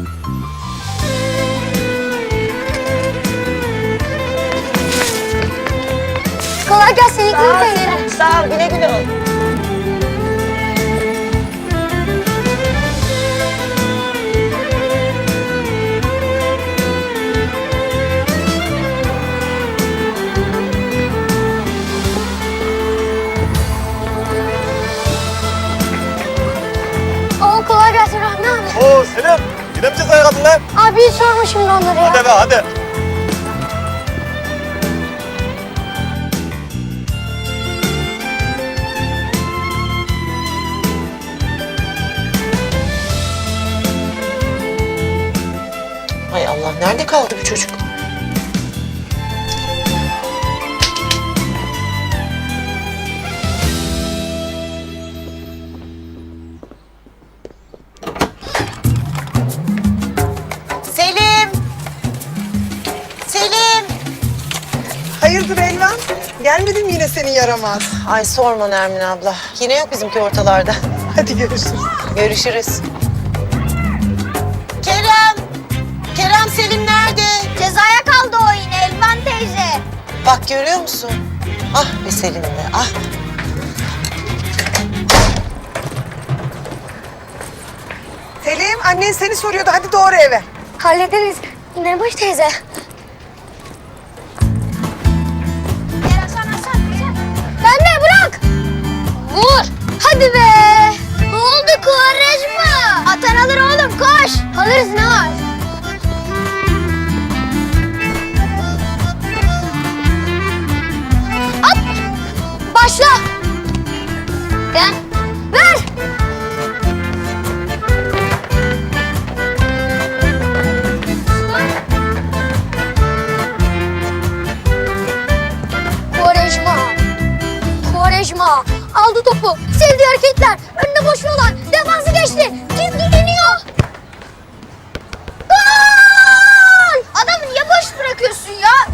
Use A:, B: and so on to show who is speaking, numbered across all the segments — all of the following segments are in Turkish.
A: Kolay gelsin İklim teyze.
B: Sağ ol, güle güle ol.
A: Oo, kolay gelsin Rahmi abi.
C: Oo Selim, yine mi cezaya kaldın lan?
A: Abi sorma şimdi onları ya.
C: Hadi be hadi.
B: Hay Allah, nerede kaldı bu çocuk? Selim! Selim!
D: Hayırdır Elvan? Gelmedim yine senin yaramaz.
B: Ay sorma Nermin abla. Yine yok bizimki ortalarda.
D: Hadi görüşürüz.
B: Görüşürüz. Kerem! Kerem Selim nerede?
A: Cezaya kaldı o yine Elvan teyze.
B: Bak görüyor musun? Ah be Selim be, ah.
D: Selim, annen seni soruyordu. Hadi doğru eve.
A: Hallederiz. Neribaş teyze. Ben de bırak. Vur. Hadi be. Ne oldu Kuvarejma? Atan alır oğlum koş. Alırız ne var? At. Başla. Gel. Ver. Kuvarejma. Kuvarejma. Aldı topu. Sevdiği hareketler. Önüne boş olan. Defansı geçti. Gizleniyor. Gol! Adamı niye boş bırakıyorsun ya?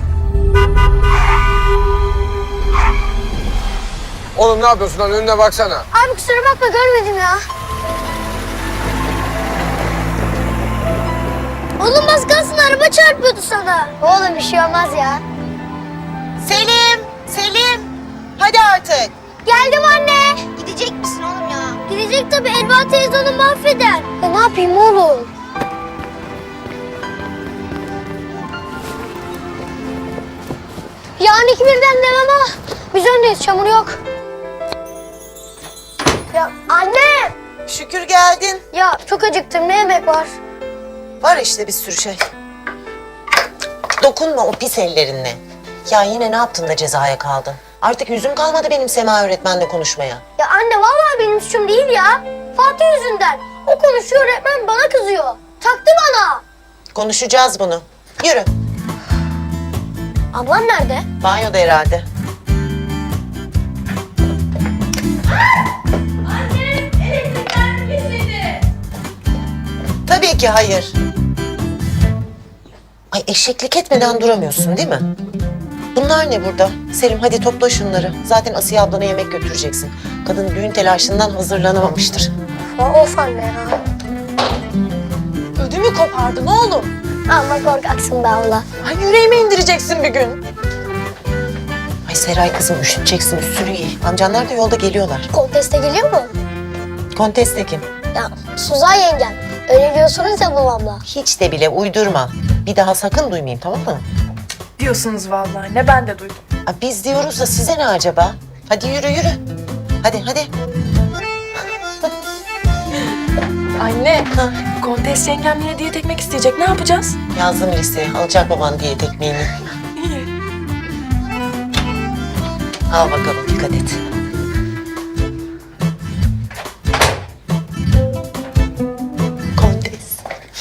E: Oğlum ne yapıyorsun lan? Önüne baksana.
A: Abi kusura bakma görmedim ya. Oğlum az kalsın araba çarpıyordu sana. Oğlum bir şey olmaz ya.
B: Selim! Selim! Hadi artık.
A: Geldim anne. Gidecek misin oğlum ya? Gidecek tabii. Elvan teyze onu mahveder. Ya ne yapayım oğlum? Yani 2-1'den devam ama biz öndeyiz. Çamur yok. Ya anne!
B: Şükür geldin.
A: Ya çok acıktım. Ne yemek var?
B: Var işte bir sürü şey. Dokunma o pis ellerinle. Ya yine ne yaptın da cezaya kaldın? Artık yüzüm kalmadı benim Sema öğretmenle konuşmaya.
A: Ya anne vallahi benim suçum değil ya. Fatih yüzünden. O konuşuyor öğretmen bana kızıyor. Taktı bana.
B: Konuşacağız bunu. Yürü.
A: Ablan nerede?
B: Banyoda herhalde. Tabii ki hayır. Ay eşeklik etmeden duramıyorsun değil mi? Bunlar ne burada? Selim hadi topla şunları. Zaten Asiye ablana yemek götüreceksin. Kadın düğün telaşından hazırlanamamıştır.
A: Of anne ya.
B: Ödümü kopardın oğlum.
A: Amma korkaksın be abla.
B: Ay yüreğime indireceksin bir gün. Ay Seray kızım üşüteceksin üstünü giy. Amcanlar da yolda geliyorlar.
A: Konteste geliyor mu?
B: Kontes kim?
A: Ya Suzan yengem. Öyle diyorsunuz ya babamla.
B: Hiç de bile uydurma. Bir daha sakın duymayayım tamam mı?
F: Diyorsunuz vallahi. Ne ben de duydum.
B: Aa, biz diyoruz da size ne acaba? Hadi yürü yürü. Hadi hadi.
F: Anne, Kontes yengem yine diyet ekmek isteyecek. Ne yapacağız?
B: Yazdım listeye. Alacak baban diyet ekmeğini.
F: İyi.
B: Al bakalım dikkat et. Kontes.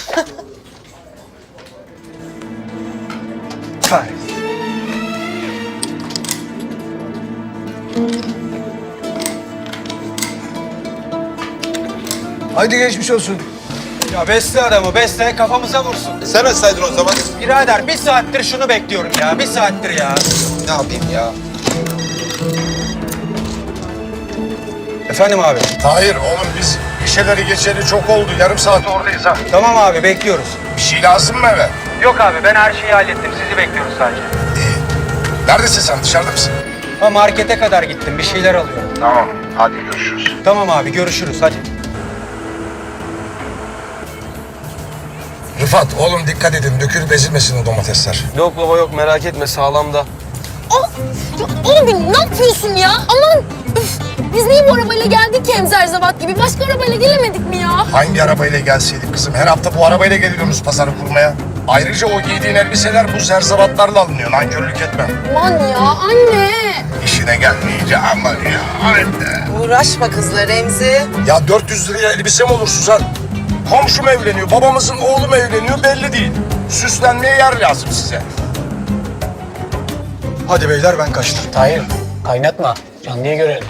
E: Haydi geçmiş olsun.
C: Ya besle adamı besle kafamıza vursun.
G: Sen açsaydın o zaman.
C: Birader bir saattir şunu bekliyorum ya. Bir saattir ya.
G: Ne yapayım ya?
C: Efendim abi.
G: Tahir oğlum biz
E: Gişeleri geçeli çok oldu. Yarım saat oradayız ha.
C: Tamam abi bekliyoruz.
E: Bir şey lazım mı eve?
C: Yok abi ben her şeyi hallettim. Sizi bekliyoruz sadece.
E: Neredesin sen? Dışarıda mısın?
C: Ha markete kadar gittim. Bir şeyler alıyorum.
E: Tamam. Hadi görüşürüz.
C: Tamam abi görüşürüz hadi.
E: Rıfat oğlum dikkat edin. Dökülüp ezilmesin o domatesler.
H: Yok baba yok merak etme sağlamda.
F: Oğlum ne yapıyorsun ya? Aman üf. Biz niye bu arabayla geldik ki hem zerzevat gibi? Başka arabayla gelemedik mi ya?
E: Hangi arabayla gelseydik kızım? Her hafta bu arabayla geliyoruz pazarı kurmaya. Ayrıca o giydiğin elbiseler bu zerzevatlarla alınıyor. Nankörlük etme.
F: Aman ya anne.
E: İşine gelmeyince aman ya. Anne.
B: Uğraşma kızla Remzi.
E: Ya 400 liraya elbise mi olur Suzan? Komşum evleniyor, babamızın oğlu mu evleniyor belli değil. Süslenmeye yer lazım size.
C: Hadi beyler ben kaçtım.
I: Hayır, kaynatma. Canlıya görelim.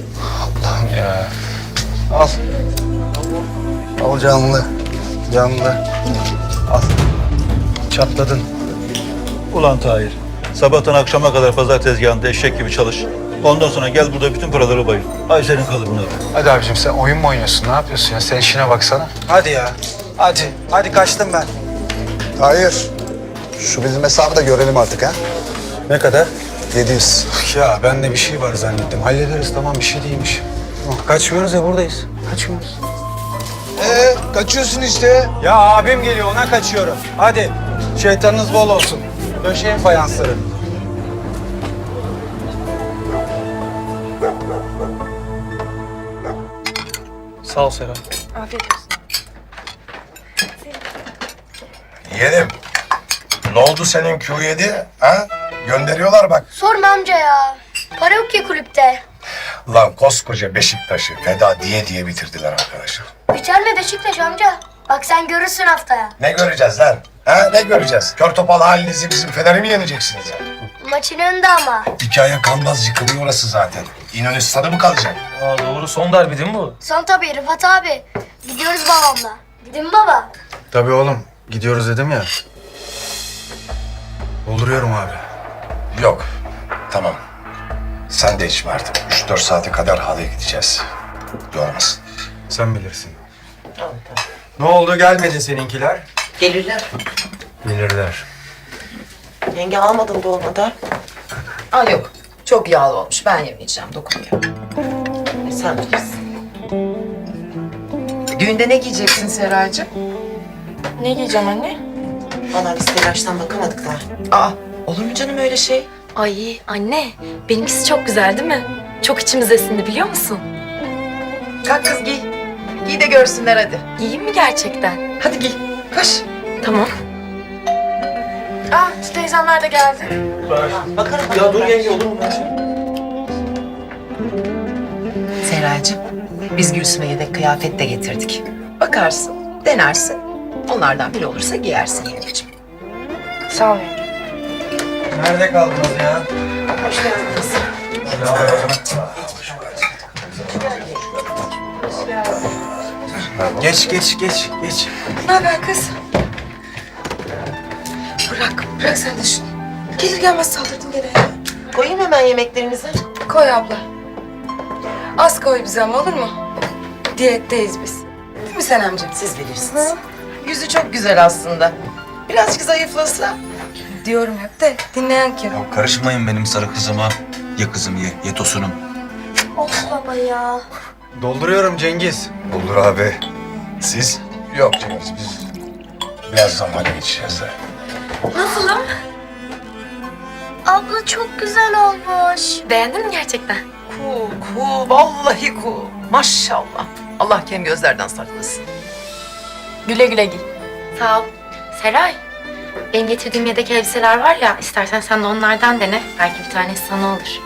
C: Al. Al canlı. Canlı. Al. Çatladın.
J: Ulan Tahir, sabahtan akşama kadar pazar tezgahında eşek gibi çalış. Ondan sonra gel burada bütün paraları bayıl. Ay senin kalıbına.
C: Hadi abicim sen oyun mu oynuyorsun? Ne yapıyorsun ya? Sen işine baksana. Hadi ya. Hadi. Hadi kaçtım ben.
G: Hayır. Şu bizim hesabı da görelim artık ha.
C: Ne kadar?
G: 700.
C: Ya bende bir şey var zannettim. Hallederiz tamam bir şey değilmiş. Kaçmıyoruz ya buradayız. Kaçmıyoruz.
E: Kaçıyorsun işte.
C: Ya abim geliyor ona kaçıyorum. Hadi. Şeytanınız bol olsun. Döşeyin fayansları. Sağ ol Serap.
F: Afiyet olsun.
E: Yeğenim. Ne oldu senin Q7? Ha? Gönderiyorlar bak.
A: Sorma amca ya. Para yok ki kulüpte.
E: Lan koskoca Beşiktaş'ı feda diye bitirdiler arkadaşlar.
A: Biter mi Beşiktaş amca? Bak sen görürsün haftaya.
E: Ne göreceğiz lan? Ha ne göreceğiz? Kör topal halinizi bizim Fener'i mi yeneceksiniz ya?
A: Maçın önünde ama.
E: Hikaye kalmaz yıkılıyor orası zaten. İnönü stadı mı kalacak?
H: Aa, doğru son derbi değil mi bu?
A: Son tabii Rıfat abi. Gidiyoruz babamla. Değil mi baba?
C: Tabii oğlum. Gidiyoruz dedim ya. Dolduruyorum abi.
E: Yok. Tamam. Sen de içme artık. 3-4 saate kadar halıya gideceğiz. Yormasın.
C: Sen bilirsin. Ne oldu gelmedi seninkiler?
B: Gelirler.
C: Gelirler.
B: Yenge almadın dolmada.
K: Aa yok. Çok yağlı olmuş. Ben yemeyeceğim. Dokunmuyor.
B: Sen bilirsin.
K: Düğünde ne giyeceksin Seraycığım?
F: Ne giyeceğim anne?
B: Vallahi biz telaştan bakamadık da.
K: Aa olur mu canım öyle şey?
F: Ay anne, benimkisi çok güzel değil mi? Çok içimiz esindi biliyor musun?
K: Kalk kız giy. Giy de görsünler hadi.
F: Giyeyim mi gerçekten?
K: Hadi giy. Koş.
F: Tamam. Aa, şu teyzemler de geldi.
B: Bakarım.
H: Ya dur yenge olur mu?
K: Seraycığım biz Gülsüm'e yedek kıyafet de getirdik. Bakarsın, denersin. Onlardan biri olursa giyersin yengeciğim.
F: Sağ ol.
C: Nerede kaldınız ya? Geç.
F: Ne haber kız? Bırak sen de şunu. Gelir gelmez saldırdın gene ya.
B: Koyayım hemen yemeklerinizi.
F: Koy abla. Az koy bize ama olur mu? Diyetteyiz biz. Değil mi sen amcam?
B: Siz bilirsiniz.
K: Yüzü çok güzel aslında. Birazcık zayıflasa.
F: Diyorum hep de dinleyen kim?
G: Ya karışmayın benim sarı kızıma. Ye kızım ye tosunum.
A: Of baba ya.
C: Dolduruyorum Cengiz.
E: Olur abi. Siz? Yok Cengiz biz birazdan hale geçeceğiz de.
A: Nasılım? Abla çok güzel olmuş.
F: Beğendin mi gerçekten?
K: Cool, vallahi cool. Maşallah. Allah kem gözlerden saklasın.
F: Güle güle giy.
L: Sağ ol. Seray, benim getirdiğim yedek elbiseler var ya, istersen sen de onlardan dene. Belki bir tanesi sana olur.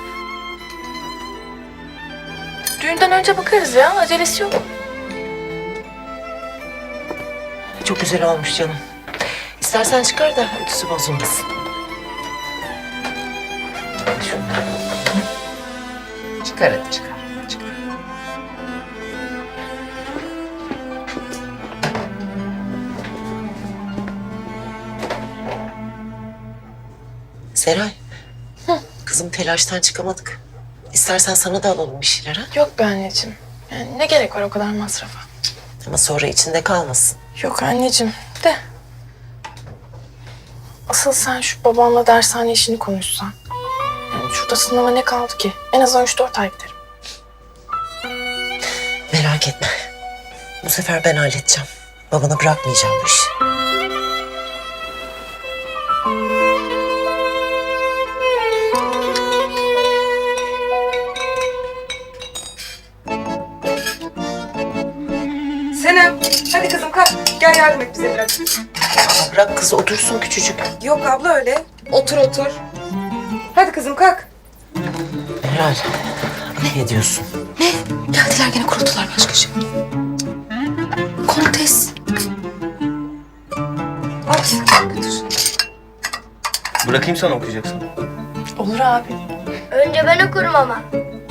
F: Düğünden önce bakarız ya, acelesi yok.
B: Çok güzel olmuş canım. İstersen çıkar da ütüsü bozulmasın.
K: Çıkar hadi çıkar. Çıkar.
B: Seray. Kızım telaştan çıkamadık. İstersen sana da alalım bir şeyler ha.
F: Yok be anneciğim. Yani ne gerek var o kadar masrafa?
B: Ama sonra içinde kalmasın.
F: Yok anneciğim de. Asıl sen şu babanla dershane işini konuşsan. Yani şurada sınava ne kaldı ki? En azından 3-4 ay giderim.
B: Merak etme. Bu sefer ben halledeceğim. Babana bırakmayacağım bu işi.
D: Senem, hadi kızım kalk. Gel yardım et bize biraz.
B: Aa, bırak kızı otursun küçücük.
D: Yok abla öyle. Otur otur. Hadi kızım kalk.
B: Meral, ne diyorsun?
F: Geldiler gene kuruttular başkacığım. Kontes.
D: Al götür.
H: Bırakayım sana okuyacaksın.
F: Olur abi.
A: Önce ben okurum ama.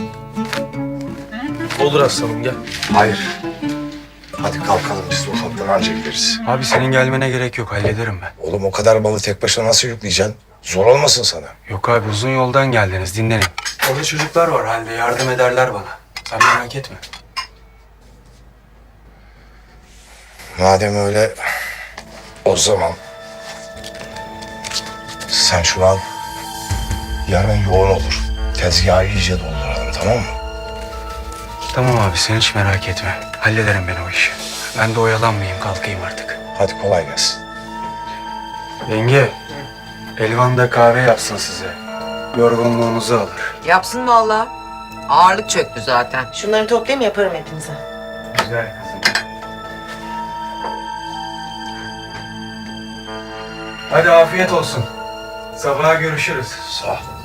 H: Olur aslanım gel.
E: Hayır. Hadi kalkalım biz de ufaktan anca gideriz.
C: Abi senin gelmene gerek yok, hallederim ben.
E: Oğlum o kadar malı tek başına nasıl yükleyeceksin? Zor olmasın sana.
C: Yok abi, uzun yoldan geldiniz, dinlenin. Orada çocuklar var halde, yardım ederler bana. Sen merak etme.
E: Madem öyle, o zaman sen şunu al. Yarın yoğun olur. Tezgahı iyice dolduralım, tamam mı?
C: Tamam abi, sen hiç merak etme. Hallederim ben o işi. Ben de oyalanmayayım, kalkayım artık.
E: Hadi kolay gelsin.
C: Yenge, Elvan da kahve yapsın size. Yorgunluğunuzu alır.
K: Yapsın vallahi. Ağırlık çöktü zaten.
B: Şunları toplayayım yaparım hepinize.
C: Güzel kızım. Hadi afiyet olsun. Sabaha görüşürüz.
E: Sağ ol.